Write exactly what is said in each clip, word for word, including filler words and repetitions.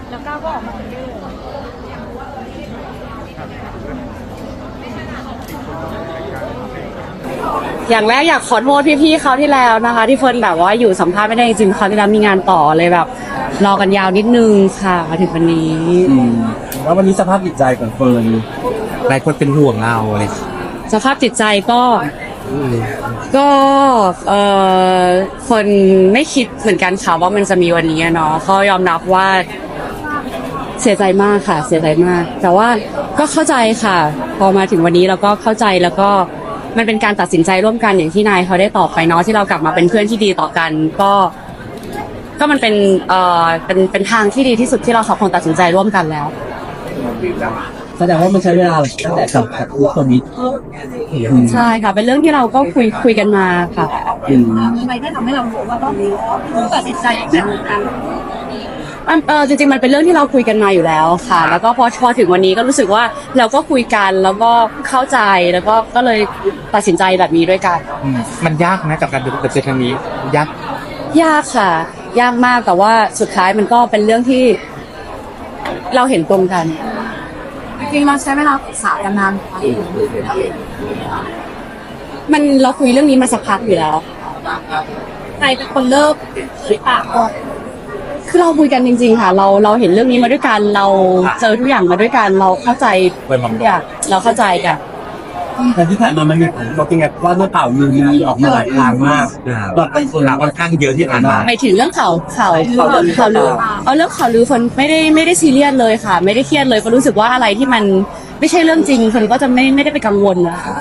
แล้วก้าวก็ออกมาเยอะอย่างแรกอยากขอโทษพี่ๆเขาที่แล้วนะคะที่เฟิร์นแบบว่าอยู่สัมภาษณ์ไม่ได้จริงๆเขาที่แล้วมีงานต่อเลยแบบรอกันยาวนิดนึงค่ะมาถึงวันนี้แล้ววันนี้สภาพจิตใจของเฟิร์นหลายคนเป็นห่วงเราเลยสภาพจิตใจก็ก็เออคนไม่คิดเหมือนกันค่ะว่ามันจะมีวันนี้เนาะก็ยอมรับว่าเสียใจมากค่ะเสียใจมากแต่ว่าก็เข้าใจค่ะพอมาถึงวันนี้เราก็เข้าใจแล้วก็มันเป็นการตัดสินใจร่วมกันอย่างที่นายเขาได้ตอบไปเนาะที่เรากลับมาเป็นเพื่อนที่ดีต่อกันก็ก็มันเป็นเอ่อเป็นเป็นทางที่ดีที่สุดที่เราสองคนตัดสินใจร่วมกันแล้วแสดงว่ามันใช้เวลาตั้งแต่กับตัวนี้ใช่ค่ะเป็นเรื่องที่เราก็คุยคุยกันมาค่ะทำไมที่ทำให้เรารู้ว่าต้องตัดสินใจอย่างนั้นเออจริงๆมันเป็นเรื่องที่เราคุยกันมาอยู่แล้วค่ะแล้วก็พอพอถึงวันนี้ก็รู้สึกว่าเราก็คุยกันแล้วก็เข้าใจแล้วก็ก็เลยตัดสินใจแบบนี้ด้วยกันมันยากนะกับการตัดสินใจครั้งนี้ยากยากค่ะยากมากแต่ว่าสุดท้ายมันก็เป็นเรื่องที่เราเห็นตรงกันจริงๆเราใช้เวลาปรึกษากันนานมันเราคุยเรื่องนี้มาสักพักอยู่แล้วใครเป็นคนเลิกหรือเปล่าคือเราคุยกันจริงๆค่ะเราเราเห็นเรื่องนี้มาด้วยกันเราเจอทุกอย่างมาด้วยกันเราเข้าใจทุกอย่างเราเข้าใจกันแต่ที่ผ่านมามันมีผลกระทบยังไงว่าเรื่องข่าวลือมีออกมาหลายทางมากตอนเป็นคนค่อนข้างเยอะที่ผ่านมาไปถึงเรื่องข่าวข่าวข่าวลือเอาเรื่องข่าวลือคนไม่ได้ไม่ได้ซีเรียสเลยค่ะไม่ได้เครียดเลยก็รู้สึกว่าอะไรที่มันไม่ใช่เรื่องจริงคนก็จะไม่ไม่ได้ไปกังวลนะคะ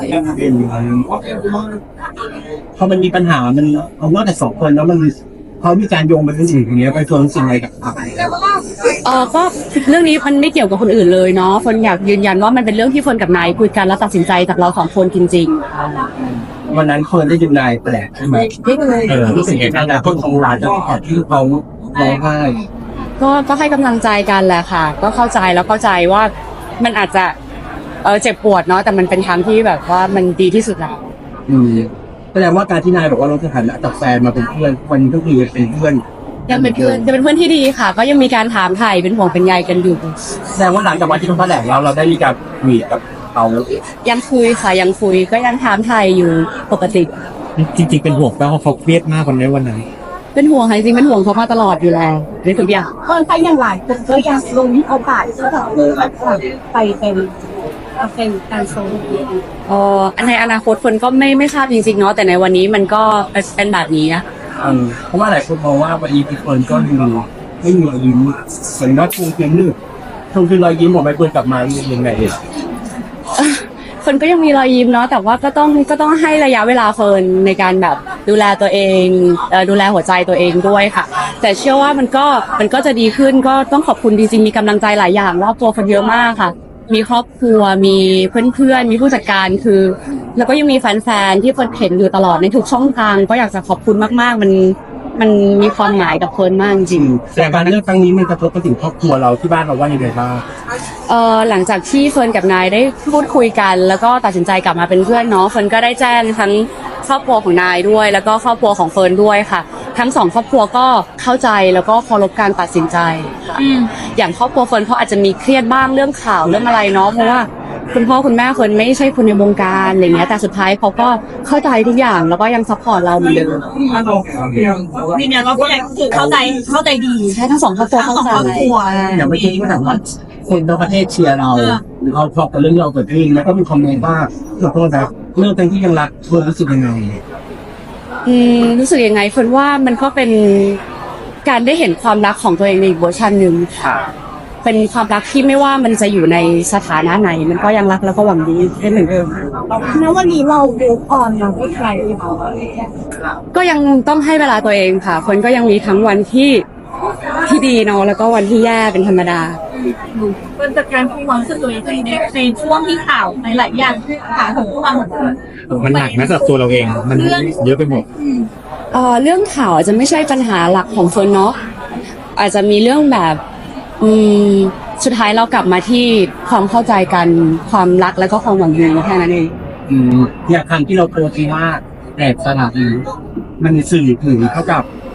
พอมันมีปัญหามันเอานอกจากสองคนแล้วมันเขามีการโยงไปถึงสิ่งอย่างเงี้ยไปชวนสิ่งอะไรกับเออก็เรื่องนี้มันไม่เกี่ยวกับคนอื่นเลยเนาะฝนอยากยืนยันว่ามันเป็นเรื่องที่ฝนกับนายคุยกันแล้วตัดสินใจจากเราสองคนจริงๆวันนั้นคนได้ยินนายแปลกใช่ไหมเออรู้สึกยังไงนะคนของร้านจะขอที่เขาร้องไห้ก็ก็ให้กำลังใจกันแหละค่ะก็เข้าใจแล้วเข้าใจว่ามันอาจจะเออเจ็บปวดเนาะแต่มันเป็นทางที่แบบว่ามันดีที่สุดแล้วอืมแสดงว่าการที่นายบอกว่าเราจะหันจากแฟนมาเป็นเพื่อนวันนี้ก็คือเป็นเพื่อนยังเป็นเพื่อนจะเป็นเพื่อนที่ดีค่ะก็ยังมีการถามไถ่เป็นห่วงเป็นใยกันอยู่แสดงว่าหลังจากวันที่เขาแถลงแล้วเราได้มีการคุยกับเขายังคุยค่ะยังคุยก็ยังถามไถ่อยู่ปกติจริงๆเป็นห่วงเพราะเขาเครียดมากวันนี้วันนั้นเป็นห่วงค่ะจริงเป็นห่วงเขามาตลอดอยู่แล้วในทุกอย่างก็ใครยังหลายคนก็ยังลงเอาป่าที่เขาแบบไปเป็นเป็นการโซนเอ่อในอนาคตคนก็ไม่ไม่ทราบจริงๆเนาะแต่ในวันนี้มันก็เป็นแบบนี้นะเพราะว่าหลายคนมองว่าวันนี้พี่เฟิร์นก็ดูไม่มีรอยยิ้มเหมือนว่าทวงคืนนึกทวงคืนรอยยิ้มของใบเฟิร์นกลับมายังไงคนก็ยังมีรอยยิ้มเนาะแต่ว่าก็ต้องก็ต้องให้ระยะเวลาเฟิร์นในการแบบดูแลตัวเองดูแลหัวใจตัวเองด้วยค่ะแต่เชื่อว่ามันก็มันก็จะดีขึ้นก็ต้องขอบคุณจริงๆมีกำลังใจหลายอย่างรอบตัวคนเยอะมากค่ะมีครอบครัวมีเพื่อนๆมีผู้จัดการคือแล้วก็ยังมีแฟนๆที่เฟิร์นเห็นอยู่ตลอดในทุกช่องทางก็อยากจะขอบคุณมากๆมันมันมีความหมายกับเฟิร์นมากจริงแต่การเลือกครั้งนี้มันกระทบไปถึงครอบครัวเราที่บ้านเราว่ายังไงบ้างเอ่อหลังจากที่เฟิร์นกับนายได้พูดคุยกันแล้วก็ตัดสินใจกลับมาเป็นเพื่อนเนาะเฟิร์นก็ได้แจ้งทั้งครอบครัวของนายด้วยแล้วก็ครอบครัวของเฟิร์นด้วยค่ะทั้งสองครอบครัวก็เข้าใจแล้วก็เคารพการตัดสินใจค่ะอย่างครอบครัวเฟิร์นเขาอาจจะมีเครียดบ้างเรื่องข่าวเรื่องอะไรเนาะเพราะว่าคุณพ่อคุณแม่เฟิร์นไม่ใช่คนในวงการอะไรเงี้ยแต่สุดท้ายเขาก็เข้าใจทุกอย่างแล้วก็ยังซัพพอร์ตเราเหมือนเดิมนี่เนี่ยเราก็ยังคือเข้าใจเข้าใจดีใช่ทั้งสองครอบครัวเข้าใจอย่างเมื่อกี้ก็ถามว่าคนทั้งประเทศเชียร์เราหรือเขาชอบกับเรื่องเราเกิดขึ้นแล้วก็มีคอมเมนต์ว่าขอโทษนะเรื่องที่ยังรักเฟิร์นรู้สึกยังไงอืมรู้สึกยังไงเฟิร์นว่ามันก็เป็นการได้เห็นความรักของตัวเองในอีกเวอร์ชันหนึ่งค่ะเป็นความรักที่ไม่ว่ามันจะอยู่ในสถานะไหนมันก็ยังรักแล้วก็หวังดีได้เหมือนเดิมแล้ววันนี้เราดูอ่อนเราไม่ใครก็ยังต้องให้เวลาตัวเองค่ะคนก็ยังมีทั้งวันที่ที่ดีเนาะแล้วก็วันที่แย่เป็นธรรมดาเป็นจัดการความรู้สึกตัวเองในในช่วงที่ข่าวในหลายอย่างข่าวของพวกเรามันหนักนะสำหรับตัวเราเองมันเยอะไปหมดเอ่อเรื่องข่าวอาจจะไม่ใช่ปัญหาหลักของเฟิร์นเนาะอาจจะมีเรื่องแบบอืมสุดท้ายเรากลับมาที่ความเข้าใจกันความรักแล้วก็ความหวังดีแค่นั้นเองอืมอย่างครั้งที่เราโพสต์ว่าแตกสลักมันสื่อถึงเท่ากับ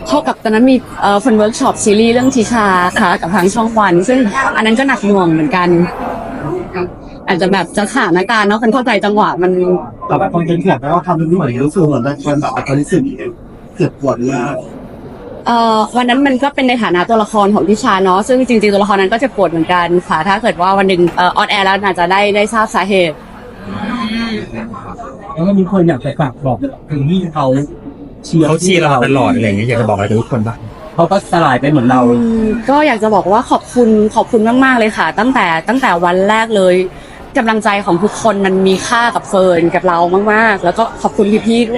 เข้ากับตอนนั้นมีเอ่อคนเวิร์กช็อปซีรีส์เรื่องทิชาค่ะกับทางช่องวัน ซึ่งอันนั้นก็หนักหน่วงเหมือนกัน อาจจะแบบจะสถานการณ์เนาะคนเข้าใจจังหวะมันแต่แบบคนเป็นแขกแล้วทำเป็นเหมือนรู้สึกเหมือนมันแบบตอนนี้สึกเจ็บปวดมากเอ่อวันนั้นมันก็เป็นในฐานะตัวละครของทิชาเนาะซึ่งจริงๆตัวละครนั้นก็เจะปวดเหมือนกันค่ะถ้าเกิดว่าวันหนึ่งเอ่อออนแอร์แล้วอาจจะได้ได้ทราบสาเหตุแล้วก็มีคนอยากจะฝากบอกถึงที่เขาเชียร์เขาเชียร์เราตลอดอะไรอย่างเงี้ยอยากจะบอกอะไรกับทุกคนบ้างเขาก็สลายไปเหมือนเราอืมก็อยากจะบอกว่าขอบคุณขอบคุณมากๆเลยค่ะ ตั้งแต่ตั้งแต่วันแรกเลยกำลังใจของทุกคนมันมีค่ากับเฟิร์นกับเรามากๆ แล้วก็ขอบคุณพี่ๆด้วย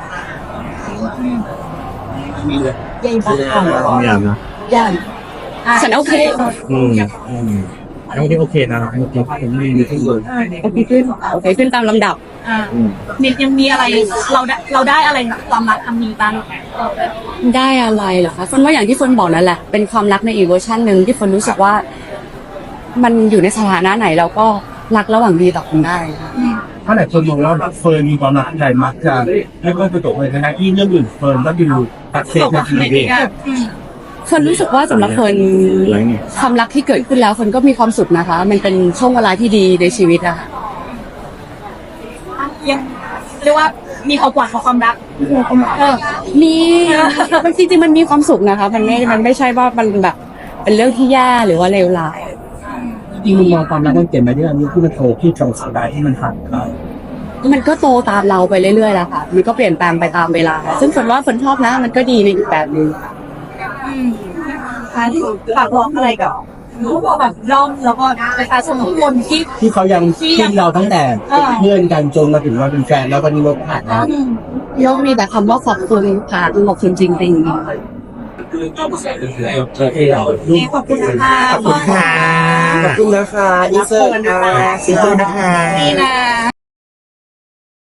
มีเลยยังบ้างอย่างนะยังฉันโอเคอืมอืมน้องที่โอเคนะโอเคผมมีมีที่เลยโอเคขึ้นโอเคขึ้นตามลำดับอ่านิดยังมีอะไรเราได้เราได้อะไรจากความรักครั้งนี้บ้างได้อะไรเหรอคะฝนว่าอย่างที่ฝนบอกนั่นแหละเป็นความรักในอีกเวอร์ชันหนึ่งที่ฝนรู้สึกว่า มันอยู่ในสถานะไหนเราก็รักระหว่างดีต่อกันได้ค่ะถ้าไหนคนมองว่าเฟิร์นมีความรักใหญ่มักจะไม่ค่อยประสบเลยนะที่เรื่องอื่นเฟิร์นก็ดูตัดเซฟในชีวิตฝนรู้สึกว่าสำหรับฝนความรักที่เกิดขึ้นแล้วฝนก็มีความสุขนะคะ มันเป็นช่วงเวลาที่ดีในชีวิตอะค่ะยังเรียกว่ามีความหวังของความรักเออมีมันจริงๆมันมีความสุขนะคะ มันไม่มันไม่ใช่ว่ามันแบบเป็นเรื่องที่แย่หรือว่าเลวร้ายจริงมุมมองความรักมันเปลี่ยนไปที่อันนี้ที่มันโตที่ตรงสายที่มันผ่านไปมันก็โตตามเราไปเรื่อยๆแหละค่ะ มันก็เปลี่ยนแปลงไปตามเวลา ซึ่งฝนว่าฝนชอบนะ มันก็ดีในอีกแบบหนึงฝากร้องอะไรกับรู้ว่าแบบร่อมแล้วก็ประชาชนทุกคนที่ที่เขายังที่เราตั้งแต่เพื่อนกันจนมาถึงมาเป็นแฟนแล้ววันนี้เราผ่านแล้วยกมีแต่คำว่าขอบคุณค่ะขอบคุณจริงๆโอเคเราขอบคุณค่ะขอบคุณค่ะขอบคุณนะคะอินเสิร์ตค่ะขอบคุณนะคะนี่นะ